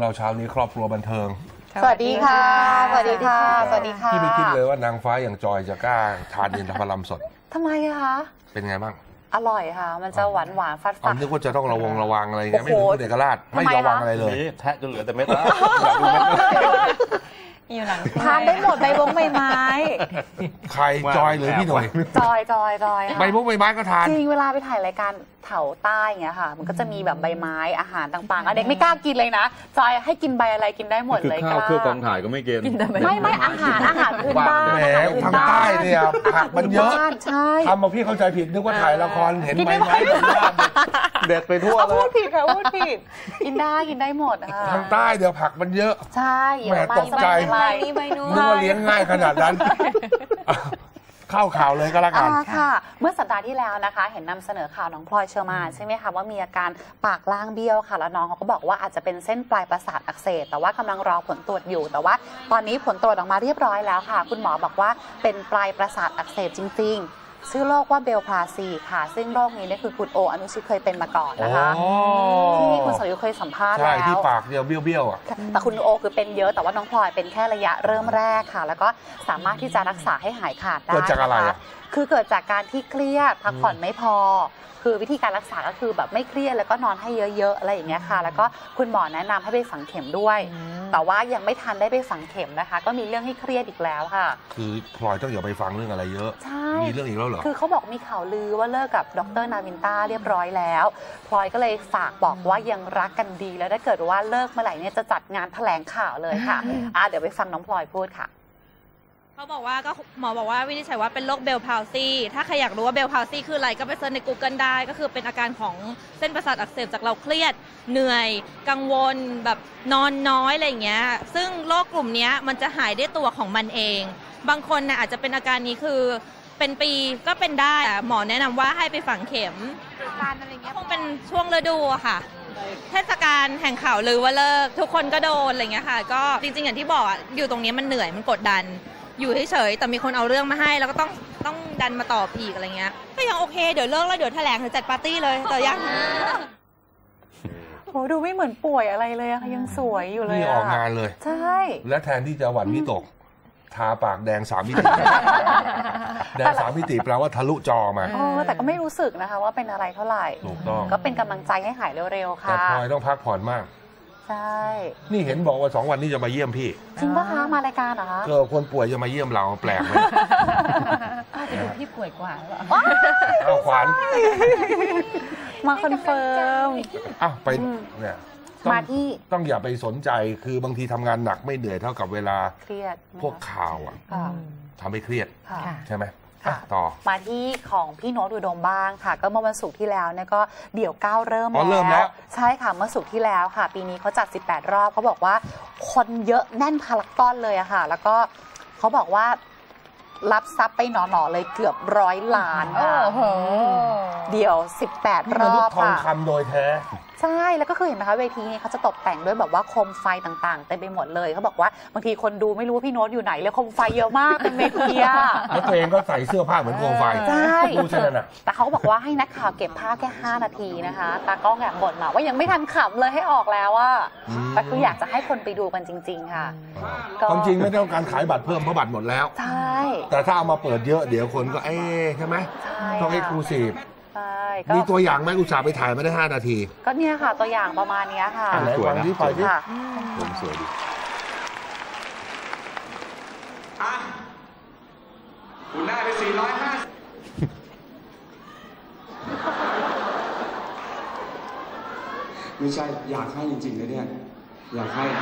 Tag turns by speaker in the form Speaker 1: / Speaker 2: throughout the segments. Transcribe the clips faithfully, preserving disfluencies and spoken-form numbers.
Speaker 1: เราเช้านี้ครอบครัวบันเทิง
Speaker 2: สวัสดีค่ะสวัสดีค่ะสวัสดีค่ะ
Speaker 1: พี่ไม่คิดเลยว่านางฟ้าอย่างจอยจะกล้าทานอินทผลัมสด
Speaker 2: ทำไมอะคะ
Speaker 1: เป็นไงบ้าง
Speaker 2: อร่อยค่ะมันจะหวานหวานฟัดฟัด
Speaker 1: นึกว่าจะต้องระวังระวังอะไรเงี้ยไม่รู้เด็กราชไม่ระวังอะไรเลย
Speaker 3: แทะจนเหลือแต่เม็ดแล้วอยากดูเม็ด
Speaker 2: อยู่หลังทานได้หมดใบวงใบไม้
Speaker 1: ใครจอยหรือพี่หน่อย
Speaker 2: จอยจอยจอย
Speaker 1: ใบวงใบไม้ก็ทาน
Speaker 2: จริงเวลาไปถ่ายรายการแถวใต้เงี้ยค่ะมันก็จะมีแบบใบไม้อาหารต่างๆเด็กไม่กล้ากินเลยนะจอยให้กินใบอะไรกินได้หมดเลย
Speaker 3: ข้าวเครื่องกองถ่ายก็ไม่กิน
Speaker 2: ไม่ไม่อาหารอาหารพื้นบ้าน
Speaker 1: แหมทางใต้เนี่ยผักมันเยอะ
Speaker 2: ใช่
Speaker 1: ทำมาพี่เข้าใจผิดนึกว่าถ่ายละครเห็นใบไม้
Speaker 3: เด็ดไปทั่วเลย
Speaker 2: พูดผิดค่ะพูดผิดกินได้กินได้หมดค่ะ
Speaker 1: ทางใต้เดี๋ยวผักมันเยอะ
Speaker 2: ใช่
Speaker 1: แหมตกใจนึกว่าเลี้ยงง่ายขนาดนั้นเข้าข่าวเลยก็แล้วกัน
Speaker 2: ค่ะเมื่อสัปดาห์ที่แล้วนะคะเห็นนำเสนอข่าวน้องพลอยเชอร์มานใช่ไหมคะว่ามีอาการปากล่างเบี้ยวค่ะแล้วน้องเขาก็บอกว่าอาจจะเป็นเส้นปลายประสาทอักเสบแต่ว่ากำลังรอผลตรวจอยู่แต่ว่าตอนนี้ผลตรวจออกมาเรียบร้อยแล้วค่ะคุณหมอบอกว่าเป็นปลายประสาทอักเสบจริงๆชื่อโรคว่าเบลพลาซีค่ะซึ่งโรคนี้เนี่ยคือคุณโออนุชิตเคยเป็นมาก่อนนะคะที่คุณสรยุทธเคยสัมภาษณ์แล้ว
Speaker 1: ใช่ที่ปากเดียวเบี้ยวๆอ่ะ
Speaker 2: แต่คุณโอคือเป็นเยอะแต่ว่าน้องพลอยเป็นแค่ระยะเริ่มแรกค่ะแล้วก็สามารถที่จะรักษาให้หายขาดได้
Speaker 1: เกิดจากอะไร
Speaker 2: คือเกิดจากการที่เครียดพักผ่อนไม่พอคือวิธีการรักษาก็คือแบบไม่เครียดแล้วก็นอนให้เยอะๆอะไรอย่างเงี้ยค่ะแล้วก็คุณหมอแนะนำให้ไปฝังเข็มด้วยแต่ว่ายังไม่ทันได้ไปฝังเข็มนะคะก็มีเรื่องให้เครียดอีกแล้วค่ะ
Speaker 1: คือพลอยต้องอย่าไปฟังเรื่องอะไรเยอะ
Speaker 2: ใช่
Speaker 1: มีเรื่องอีกแล้วเหรอ
Speaker 2: คือเขาบอกมีข่าวลือว่าเลิกกับดรนาวินต้าเรียบร้อยแล้วพลอยก็เลยฝากบอกว่ายังรักกันดีแล้วถ้าเกิดว่าเลิกเมื่อไหร่เนี่ยจะจัดงานแถลงข่าวเลยค่ะอ่ะเดี๋ยวไปฟังน้องพลอยพูดค่ะ
Speaker 4: เขาบอกว่าก็หมอบอกว่าวินิจฉัยว่าเป็นโรคเบลพาวซีถ้าใครอยากรู้ว่าเบลพาวซีคืออะไรก็ไปเซิร์ชใน Google ได้ก็คือเป็นอาการของเส้นประสาทอักเสบจากเราเครียดเหนื่อยกังวลแบบนอนน้อยอะไรอย่างเงี้ยซึ่งโรคกลุ่มนี้มันจะหายได้ตัวของมันเองบางคนน่ะอาจจะเป็นอาการนี้คือเป็นปีก็เป็นได้หมอแนะนำว่าให้ไปฝังเข็มการอะไรเงี้ยคงเป็นช่วงฤดูอะค่ะเทศกาลแห่งข่าวลือว่าเลิกทุกคนก็โดนอะไรเงี้ยค่ะก็จริงๆอย่างที่บอกอยู่ตรงนี้มันเหนื่อยมันกดดันอยู่เฉยๆแต่มีคนเอาเรื่องมาให้แล้วก็ต้องต้องดันมาตอบอีกอะไรเงี้ยก็ยังโอเคเดี๋ยวเลิกแล้วเดี๋ยวแถลงหรือจัดปาร์ตี้เลยแต่ยัง
Speaker 2: โหดูไม่เหมือนป่วยอะไรเลยอะยังสวยอยู่เลย
Speaker 1: นี่ออกงานเลย
Speaker 2: ใช่
Speaker 1: และแทนที่จะหวั่นวิตกทาปากแดงสามมิติแดงสามมิติแปลว่าทะลุจอมา
Speaker 2: เออแต่ก็ไม่รู้สึกนะคะว่าเป็นอะไรเท่าไหร่
Speaker 1: ถูกต้อง
Speaker 2: ก็เป็นกำลังใจให้หายเร็วๆค่ะ
Speaker 1: แต่พลอยต้องพักผ่อนมาก
Speaker 2: ใช่
Speaker 1: นี่เห็นบอกว่าสองวันนี้จะมาเยี่ยมพี่
Speaker 2: จริงป่ะคะมารายการเหรอคะ
Speaker 1: ก็คนป่วยจะมาเยี่ยมเราแปลกไหม
Speaker 4: อาจจะดูพี่ป่วยกว่าหรอ
Speaker 1: เอาขวัญ
Speaker 2: มาคอนเฟิร์ม
Speaker 1: อ้าวไปเนี่ย
Speaker 2: มาที่
Speaker 1: ต้องอย่าไปสนใจคือบางทีทำงานหนักไม่เหนื่อยเท่ากับเวลา
Speaker 2: เครียด
Speaker 1: พวกข่าวอ่ะทำให้เครียดใช่ไหม
Speaker 2: ต่อมาที่ของพี่โน้ตอุดมบ้างค่ะก็เมื่อวันศุกร์ที่แล้วเนี่ยก็เดี่ยวเก้าเริ่มแล้วใช่ค่ะเมื่อศุกร์ที่แล้วค่ะปีนี้เขาจัดสิบแปดรอบเขาบอกว่าคนเยอะแน่นพารากอนเลยอะค่ะแล้วก็เขาบอกว่ารับทรัพย์ไปหนอๆเลยเกือบร้อยล้านเดี่ยวสิบแปดรอบ
Speaker 1: ค่ะทองคำโดยแท้
Speaker 2: ใช่แล้วก็คือเห็นไหมคะเวทีนี้เขาจะตกแต่งด้วยแบบว่าโคมไฟต่างๆเต็มไปหมดเลยเขาบอกว่าบางทีคนดูไม่รู้ว่าพี่โน้ตอยู่ไหนเลยโคมไฟเยอะมากเป็นเวทีอะ
Speaker 1: แล้วตัวเองก็ใส่เสื้อผ้าเหมือนโคมไฟ
Speaker 2: ใช่
Speaker 1: ดูใช่ไหมน่ะ
Speaker 2: แต่เขาบอกว่าให้นักข่าวเก็บภาพแค่ห้านาทีนะคะตากล้องแอบบ่นมาว่ายังไม่ทันขำเลยให้ออกแล้วว่าแต่คืออยากจะให้คนไปดูกันจริงๆค่ะ
Speaker 1: ความจริงไม่ต้องการขายบัตรเพิ่มเพราะบัตรหมดแล้ว
Speaker 2: ใช่
Speaker 1: แต่ถ้าเอามาเปิดเยอะเดี๋ยวคนก็เอ๊ะใช่ไหมต้องเอ็กซ์คลูซีฟมีตัวอย่างไหมอุตส่าห์ไปถ่ายไม่ได้ห้านาที
Speaker 2: ก็เนี่ยค่ะตัวอย่างประมาณนี้ค่ะ
Speaker 1: สวยนะสวยค่ะ
Speaker 3: ผมสวยดี
Speaker 5: คุณได้ไปสี่ร้อยห้าสิบไม่ใช่อยากให้จริงๆนะเนี่ยอยากให้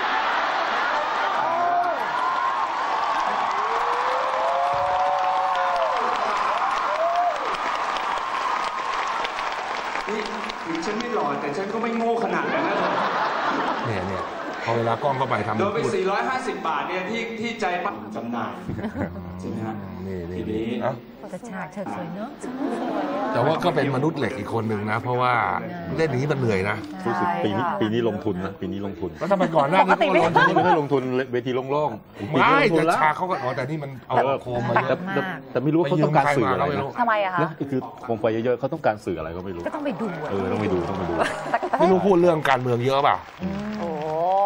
Speaker 5: ถึงฉันไม่หล่อแต่ฉันก็ไม่โง่ขนาดนั้นนะ
Speaker 1: เนี่ยเนี่ยพอเวลากล้องเข้าไปทำ
Speaker 5: โดนไปสี่ร้อยห้าสิบบาทเนี่ยที่ที่ใจปั้มจำหน่ายใช่ไหมฮะ
Speaker 1: นี่นี่นี่
Speaker 4: แต่ฉากเฉิดสวยเนาะ
Speaker 1: แต่ว่าก็เป็นมนุษย์เหล็กอีกคนหนึ่งนะเพราะว่าเล่นนี้มันเหนื่อยนะ
Speaker 3: รู้สึกปีนี้ปีนี้ลงทุนนะปีนี้ลงทุน
Speaker 1: ก็ทำไมก่อนหน้านี้ก็ลงทุน
Speaker 3: ไม่ได้ลงทุนเวทีโล่ง
Speaker 1: ๆไม่แต่ฉากเขาก็อ๋อแต่นี่มันเอาโคมมาเยอะ
Speaker 3: แต่ไม่รู้เขาต้องการสื่ออะไร
Speaker 2: ทำไมอะคะ
Speaker 3: คือโคมไฟเยอะๆเขาต้องการสื่ออะไรก็ไม่รู้
Speaker 4: ก็ต้องไปดู
Speaker 3: เออต้องไปดูต้องไปดู
Speaker 1: ไม่รู้พูดเรื่องการเมืองเยอะป่ะ
Speaker 2: โอ้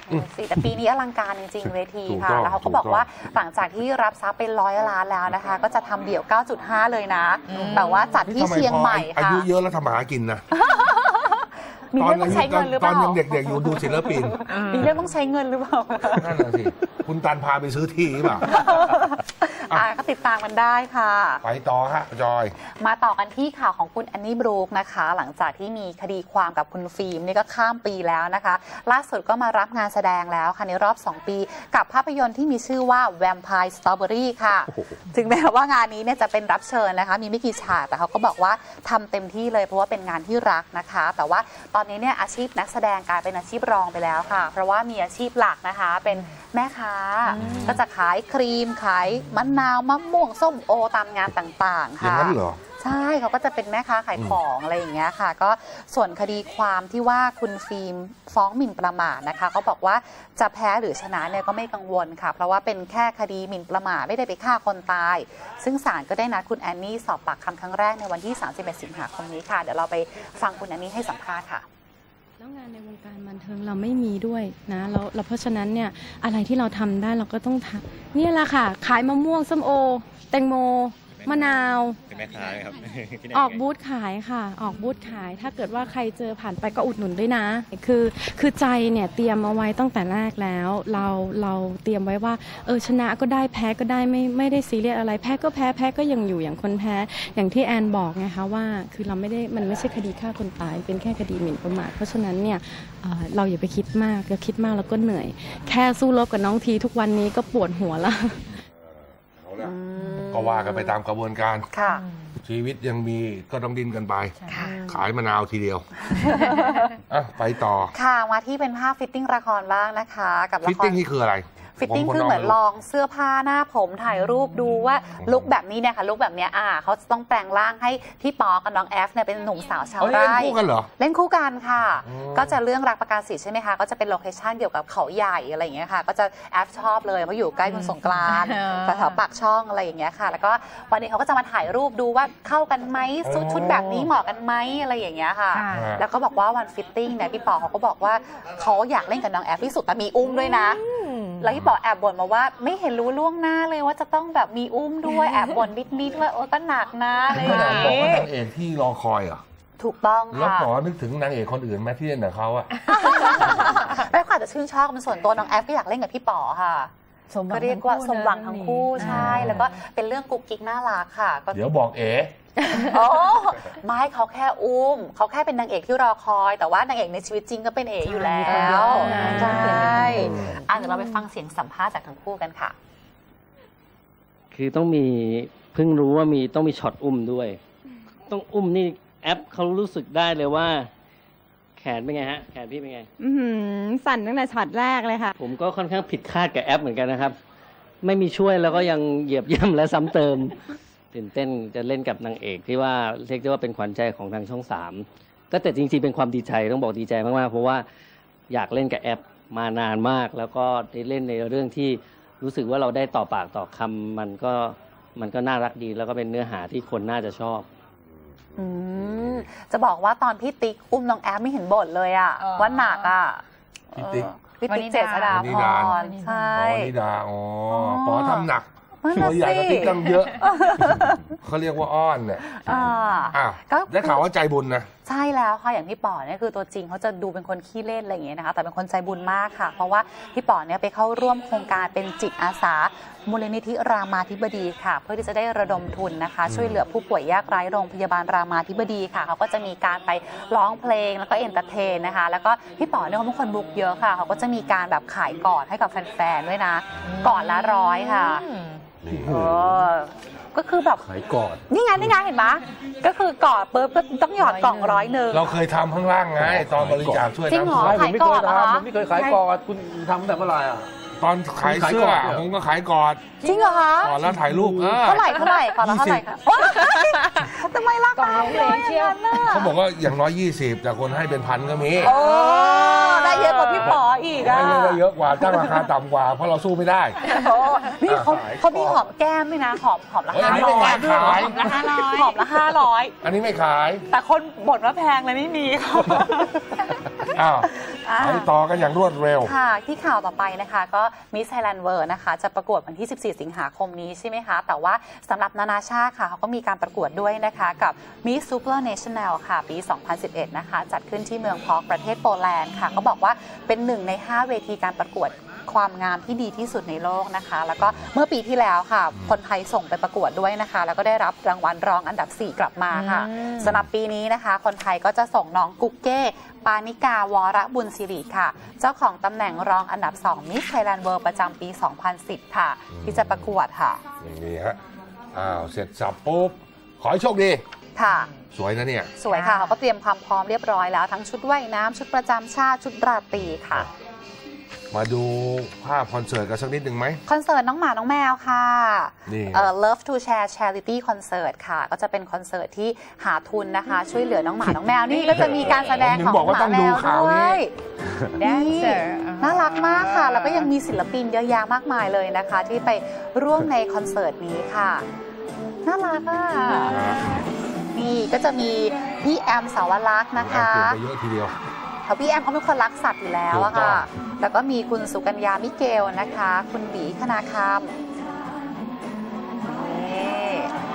Speaker 2: ดูสิแต่ปีนี้อลังการจริงๆเวที
Speaker 1: ถูก
Speaker 2: ค่ะ
Speaker 1: ต้อง
Speaker 2: แล้วเขาก็
Speaker 1: ถูก
Speaker 2: บอกว่า
Speaker 1: ต้อง
Speaker 2: หลังจากที่รับทรัพย์เป็นร้อยล้านแล้วนะคะ ก็จะทำเดี่ยว เก้าจุดห้า เลยนะแต่ว่าจัดที่เชียงใหม่
Speaker 1: อา
Speaker 2: ค่ะ
Speaker 1: ยุเยอะแล้วทำมาหากินนะ
Speaker 2: มีเรื่องต้องใช้เงินหรือเป
Speaker 1: ตอ
Speaker 2: ล่าน
Speaker 1: ยังเด็กๆอยู่ดูศิลปิน
Speaker 2: มีเรื่องต้องใช้เงินหรือเปล่า
Speaker 1: นั่นแหละสิคุณตันพาไปซื้อที่หรือเปล่า
Speaker 2: อ่ะก็ติดตามกันได้ค่ะ
Speaker 1: ไปต่อฮะจอย
Speaker 2: มาต่อกันที่ข่าวของคุณแอนนี่บรูคนะคะ หลังจากที่มีคดีความกับคุณฟิล์มนี่ก็ข้ามปีแล้วนะคะ ล่าสุดก็มารับงานแสดงแล้วค่ะในรอบ สอง ปี กับภาพยนตร์ที่มีชื่อว่า Vampire Strawberry ค่ะ ถึงแม้ว่างานนี้เนี่ยจะเป็นรับเชิญนะคะ มีไม่กี่ฉากแต่เขาก็บอกว่าทำเต็มที่เลยเพราะว่าเป็นงานที่รักนะคะ แต่ว่าตอนนี้เนี่ยอาชีพนักแสดงกลายเป็นอาชีพรองไปแล้วค่ะ เพราะว่ามีอาชีพหลักนะคะ เป็นแม่ค้าก็จะขายครีมขายมะนาวมะม่วงส้มโอตามงานต่างๆ
Speaker 1: อย่าง
Speaker 2: ค่ะ
Speaker 1: นั้นเหรอ
Speaker 2: ใช่เขาก็จะเป็นแม่ค้าขายของอะไรอย่างเงี้ยค่ะ ก็ส่วนคดีความที่ว่าคุณฟิล์มฟ้องหมิ่นประมาทนะคะเขาบอกว่าจะแพ้หรือชนะเนี่ยก็ไม่กังวลค่ะ เพราะว่าเป็นแค่คดีหมิ่นประมาทไม่ได้ไปฆ่าคนตาย ซึ่งศาลก็ได้นัดคุณแอนนี่สอบปากคำครั้งแรกในวันที่สามสิบเอ็ดสิงหาคมนี้ค่ะเดี๋ยวเราไปฟังคุณแอนนี่ให้สัมภาษณ์ค่ะ
Speaker 6: แล้วงานในวงการบันเทิงเราไม่มีด้วยนะแล้วเราเพราะฉะนั้นเนี่ยอะไรที่เราทำได้เราก็ต้องทำเนี่ยแหละค่ะ ขายมะม่วงส้มโอ แตงโม มะนาว
Speaker 7: เป็นแม่ค้าไหมครับ
Speaker 6: ออกบูธขายค่ะ ออกบูธขาย ถ้าเกิดว่าใครเจอผ่านไปก็อุดหนุนด้วยนะ คือคือใจเนี่ยเตรียมเอาไว้ตั้งแต่แรกแล้ว เราเราเตรียมไว้ว่าเออชนะก็ได้แพ้ก็ได้ไม่ไม่ได้ซีเรียสอะไรแพ้ก็แพ้แพ้ก็ยังอยู่อย่างคนแพ้อย่างที่แอนบอกไงคะว่าคือเราไม่ได้มันไม่ใช่คดีฆ่าคนตายเป็นแค่คดีหมิ่นประมาทเพราะฉะนั้นเนี่ยเอ่อเราอย่าไปคิดมากเราคิดมากแล้วก็เหนื่อย แค่สู้รบกับน้องทีทุกวันนี้ก็ปวดหัวละ
Speaker 1: เอาละก็ว่ากันไปตามกระบวนการ
Speaker 2: ค่ะ
Speaker 1: ชีวิตยังมีก็ต้องดิ้นกันไป
Speaker 2: ค่ะ
Speaker 1: ขายมะนาวทีเดียว อ่ะไปต่อ
Speaker 2: ค่ะมาที่เป็นภาพฟิตติ้งละครบ้างนะคะ กับละ
Speaker 1: ฟิต
Speaker 2: คร
Speaker 1: ติ้งนี่คืออะไร
Speaker 2: ฟิตติ้ง
Speaker 1: ผม
Speaker 2: คือเหมือนล
Speaker 1: ง
Speaker 2: องเสื้อผ้าหน้าผมถ่ายรูปดูว่าลุคแบบนี้เนี่ยค่ะลุคแบบเนี้ยอ่าเขาจะต้องแปลงร่างให้พี่ปอกับน้องแอฟเนี่ยเป็นหนุ่มสาวชาว
Speaker 1: เอ้ย
Speaker 2: ไร่
Speaker 1: เล่นคู่กันเหรอ
Speaker 2: เล่นคู่กันค่ะ
Speaker 1: อืม
Speaker 2: ก็จะเรื่องรักประกาศสิทธิ์ใช่ไหมคะก็จะเป็นโลเคชั่นเกี่ยวกับเขาใหญ่อะไรอย่างเงี้ยค่ะ ก็จะแอฟชอบเลยเพราะอยู่ใกล้คุณสงกรานต์แถวๆปากช่องอะไรอย่างเงี้ยค่ะ แล้วก็วันนี้เขาก็จะมาถ่ายรูปดูว่าเข้ากันไหมชุดชุดแบบนี้เหมาะกันไหมอะไรอย่างเงี้ยค่ะ แล้วก็บอกว่าวันฟิตติ้งเนี่ยพี่ปอเขาก็บอกว่าเขาอยากเล่นกับน้องแอฟที่สุดแต่มีอุ้มด้วยนะ แล้วพี่ปอแอบบ่นมาว่าไม่เห็นรู้ล่วงหน้าเลยว่าจะต้องแบบมีอุ้มด้วยแอบบ่นนิดๆว่าโอ้ก็หนักนะอะไรอย่าง
Speaker 1: บอก
Speaker 2: งี้
Speaker 1: ว่านางเอกที่รอคอยเหรอ
Speaker 2: ถูกต้อง
Speaker 1: แล้ว
Speaker 2: ค่ะ
Speaker 1: ปอนึกถึงนางเอกคนอื่นไหมที่เล่นกับเขาอะ
Speaker 2: แล้วก็อาจจะชื่นชอบมันส่วนตัวน้องแอฟก็อยากเล่นกับพี่ปอค่ะก็เรียกว่าสมหวังทั้งคู่ใช่แล้วก็เป็นเรื่องกุ๊กกิ๊กน่ารักค่ะก็
Speaker 1: เดี๋ยวบอกเอ๋
Speaker 2: โอ้ไม่เขาแค่อุ้มเขาแค่เป็นนางเอกที่รอคอย แต่ว่านางเอกในชีวิตจริงก็เป็นเอ๋อยู่แล้วใช่อ่ะเดี๋ยวเราไปฟังเสียงสัมภาษณ์จากทั้งคู่กันค่ะ
Speaker 8: คือต้องมีเพิ่งรู้ว่ามีต้องมีช็อตอุ้มด้วย ต้องอุ้มนี่แอปเขารู้สึกได้เลยว่า แขนเป็นไงฮะ แขนพี่เป็นไง
Speaker 6: อื้อหือสั่นตั้งแต่ช็อตแรกเลยค่ะ
Speaker 8: ผมก็ค่อนข้างผิดคาดกับแอปเหมือนกันนะครับ ไม่มีช่วยแล้วก็ยังเหยียบย่ำและซ้ำเติมตื่นเต้นจะเล่นกับนางเอกที่ว่าเรียกได้ว่าเป็นขวัญใจของทางช่องสามก็แต่จริงๆเป็นความดีใจต้องบอกดีใจมากๆเพราะว่าอยากเล่นกับแอปมานานมาก แล้วก็ได้เล่นในเรื่องที่รู้สึกว่าเราได้ต่อปากต่อคำมันก็มันก็น่ารักดีแล้วก็เป็นเนื้อหาที่คนน่าจะชอบ
Speaker 2: อืมจะบอกว่าตอนพี่ติ๊กอุ้มน้องแอฟไม่เห็นบ่นเลยอะ
Speaker 9: เออ
Speaker 2: ว่าหนักอะ
Speaker 1: พี่ติ๊ก
Speaker 2: เออพี่ติ๊กเจษฎาพรใช่
Speaker 1: ปอนิดาอ๋อ
Speaker 2: อ๋อ
Speaker 1: ปอทำหนัก
Speaker 2: นั่น
Speaker 1: ตั
Speaker 2: น่ะ
Speaker 1: วใหญ่กว่า
Speaker 2: สิ
Speaker 1: ติ๊กตั้งเยอะ เขาเรียกว่าอ้อนเนี่ย
Speaker 2: อ่า
Speaker 1: อ้าว
Speaker 2: ก็
Speaker 1: ได้ข่าวว่าใจบุญนะ
Speaker 2: ใช่แล้วค่ะอย่างพี่ป๋อเนี่ยคือตัวจริงเขาจะดูเป็นคนขี้เล่นอะไรอย่างเงี้ยนะคะแต่เป็นคนใจบุญมากค่ะ เพราะว่าพี่ป๋อเนี่ยไปเข้าร่วมโครงการเป็นจิตอาสามูลนิธิรามาธิบดีค่ะ เพื่อที่จะได้ระดมทุนนะคะ ช่วยเหลือผู้ป่วยยากไร้โรงพยาบาลรามาธิบดีค่ะเขาก็จะมีการไปร้องเพลงแล้วก็เอนเตอร์เทนนะคะแล้วก็พี่ป๋อเนี่ยเขาเป็นคนบุกเยอะค่ะเขาก็จะมีการแบบขายกอดให้กับแฟนๆด้วยนะกอดละร้อยค่ะเออก็คือแบบ
Speaker 3: ขายกอด
Speaker 2: นี่ไงนี่ไงเห็นไหมก็คือกอดปุ๊บก็ต้องหยอดกล่องร้อยหนึ่ง
Speaker 1: เราเคยทำข้างล่างไง ตอนบริจาคช่วย
Speaker 2: จริงเหรอ
Speaker 1: น้ำท่วม
Speaker 2: ขายกอดเหรอคะ
Speaker 3: ผมไม่เคยขายกอดคุณทำแต่เมื่อไหร่อ่ะ
Speaker 1: ตอนขายเสื้อผมก็ขายกอด
Speaker 2: จริงเหรอคะ
Speaker 1: กอดแล้วถ่ายรูปเออ
Speaker 2: เท่าไหร่เท่าไหร่ก่อนละเท่าไหร่คะโอ๊ยทำไมราคาน้อยอย่างนั้นน่ะ
Speaker 1: เขาบอกว่าอย่างน้อยยี่สิบแต่คนให้เป็นพันก็มี
Speaker 2: โอ้ได้เยอะกว่าพี่ป๋ออีกอะ
Speaker 1: ไม่ได้เยอะกว่าจ้างราคาต่ำกว่าเพราะเราสู้ไม่ได้
Speaker 2: โอ้นี่เขาเขามีหอมแก้มด้วยนะหอมหอมละ
Speaker 1: เฮ้ยอั
Speaker 2: ห้าน
Speaker 1: นี้
Speaker 2: ร้
Speaker 1: ไม่
Speaker 2: อย
Speaker 1: ขาย
Speaker 2: หอมละห้าร้อยหอมละห้าร้อย
Speaker 1: อันนี้ไม่ขาย
Speaker 2: แต่คนบ่นว่าแพงเลยไม่มีค่ะ
Speaker 1: อ้าว
Speaker 2: อ่า
Speaker 1: ไปต่อกันอย่างรวดเร็ว
Speaker 2: ค่ะที่ข่าวต่อไปนะคะก็มิสไทยแลนด์เวิร์นะคะจะประกวดวันที่ สิบสี่ สิงหาคมนี้ใช่ไหมคะแต่ว่าสำหรับนานาชาติค่ะเขาก็มีการประกวดด้วยนะคะกับ Miss Supranational ค่ะปี สองพันสิบเอ็ด นะคะจัดขึ้นที่เมืองพอกประเทศโปแลนด์ค่ะเขาบอกว่าเป็นหนึ่งในห้าเวทีการประกวดความงามที่ดีที่สุดในโลกนะคะแล้วก็เมื่อปีที่แล้วค่ะคนไทยส่งไปประกวดด้วยนะคะแล้วก็ได้รับรางวัลรองอันดับสี่กลับมาค่ะสำหรับปีนี้นะคะคนไทยก็จะส่งน้องกุ๊กเก้ปานิกาวรบุญศิริค่ะเจ้าของตำแหน่งรองอันดับสอง Miss Thailand World ประจำปี สองพันสิบ ค่ะที่จะประกวดค่ะ
Speaker 1: อย่างนี้ฮะ อ้าว เสร็จสับปุ๊บ ขอให้โชคดี
Speaker 2: ค่ะ
Speaker 1: สวยนะเนี่ย
Speaker 2: สวยค่ะเขาก็เตรียมความพร้อมเรียบร้อยแล้วทั้งชุดว่ายน้ำชุดประจำชาติชุดราตรีค่ะ
Speaker 1: มาดูภาพคอนเสิร์ตกันสักนิดหนึ่งไหม
Speaker 2: คอนเสิร์ตน้องหมาน้องแมวค่ะ
Speaker 1: นี่
Speaker 2: เอ่อ Love to Share Charity Concert ค่ะก็จะเป็นคอนเสิร์ตที่หาทุนนะคะ ช่วยเหลือน้องหมาน้องแมวนี่ก็จะมีการแสดง
Speaker 1: ผมถึ
Speaker 2: ของ
Speaker 1: งบอกว่า
Speaker 2: ห
Speaker 1: ต้
Speaker 2: มา
Speaker 1: อง
Speaker 2: แม
Speaker 1: ดู
Speaker 2: ว
Speaker 1: ข่าว
Speaker 2: ด้ว
Speaker 1: นี้
Speaker 2: ย นี่น่ารักมากค่ะ แล้วก็ยังมีศิลปินเยอะแยะมากมายเลยนะคะ ที่ไปร่วมในคอนเสิร์ตนี้ค่ะน่ารักอ่ะนี่ก็จะมีพี่แอมสาวรักษ์นะคะ
Speaker 1: เปลี่ยนไปเยอะทีเดียว
Speaker 2: เพราะพี่แอมเขาเป็นคนรักสัตว์อยู่แล้วอะค่ะ แล้วก็มีคุณสุกัญญามิเกลนะคะ คุณบีคณาคำนี่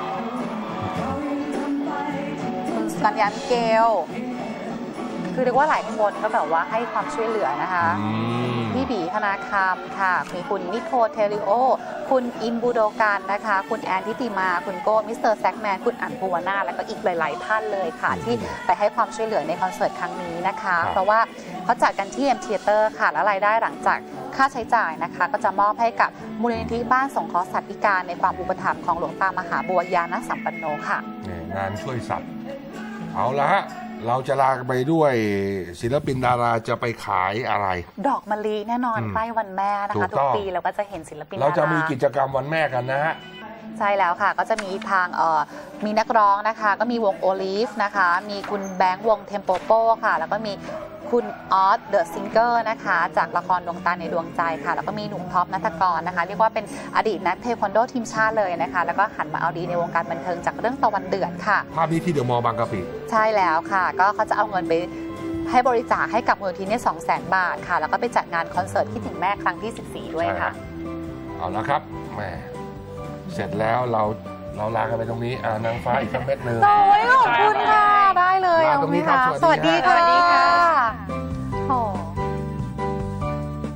Speaker 2: คุณสุกัญญามิเกล คือเรียกว่าหลายคนก็แบบว่าให้ความช่วยเหลือนะคะ พี่บีธนาคำค่ะมีคุณนิโคเทริโอ คุณอิมบูโดกันนะคะ คุณแอนทิติมา คุณโก้มิสเตอร์แซกแมน คุณอั๋นภูวนาและก็อีกหลาย ๆ ท่านเลยค่ะ ที่ไปให้ความช่วยเหลือในคอนเสิร์ตครั้งนี้นะคะ เพราะว่าเขาจัดกันที่ เอ็ม Theater ค่ะ และรายได้หลังจากค่าใช้จ่ายนะคะ ก็จะมอบให้กับมูลนิธิบ้านสงเคราะห์สัตว์พิการในความอุปถัมภ์ของหลวงตามหาบัวยานสัมปันโนค่ะ
Speaker 1: งานช่วยสัตว์ เอาละฮะ เราจะลาไปด้วยศิลปินดาราจะไปขายอะไร
Speaker 2: ดอกมะลิแน่นอน
Speaker 1: อืม
Speaker 2: ใกล้วันแม่นะ
Speaker 1: ถู
Speaker 2: คะ
Speaker 1: ก
Speaker 2: ทุ
Speaker 1: ต้
Speaker 2: ก
Speaker 1: อง
Speaker 2: ปีเราก็จะเห็นศิลปิน
Speaker 1: เราจะ
Speaker 2: ดารา
Speaker 1: มีกิจกรรมวันแม่กันนะฮะ
Speaker 2: ใช่แล้วค่ะ ก็จะมีทางเอ่อมีนักร้องนะคะ ก็มีวงโอลิฟนะคะ มีคุณแบงค์วงเทมโปโปค่ะ แล้วก็มีคุณออสเดอะซิงเกอร์นะคะ จากละครดวงตาในดวงใจค่ะ แล้วก็มีหนุ่มท็อปนัทกรนะคะ เรียกว่าเป็นอดีตนักเทควันโดทีมชาติเลยนะคะ แล้วก็หันมาเอาดีในวงการบันเทิงจากเรื่องตะวันเดือดค่ะ
Speaker 1: ภาพนี้ที่เดอะมอลล์บางกะปิ
Speaker 2: ใช่แล้วค่ะ ก็เขาจะเอาเงินไปให้บริจาคให้กับมูลนิธิเนี่ยสองแสนบาทค่ะ แล้วก็ไปจัดงานคอนเสิร์ตคิดถึงแม่ครั้งที่สิบสี่ด้วยค่ะ
Speaker 1: เอาละครับแหมเสร็จแล้วเราเราลากันไปตรงนี้อ่านางฟ้าอีกสักเม็ดหนึ่ง
Speaker 2: โอ้ยขอบคุณค่ะ ได้เลย
Speaker 1: ลาตรงนี้ครับ
Speaker 2: เอาไหมะ
Speaker 1: สวัสดีครับ
Speaker 2: สวัสดีค่ะ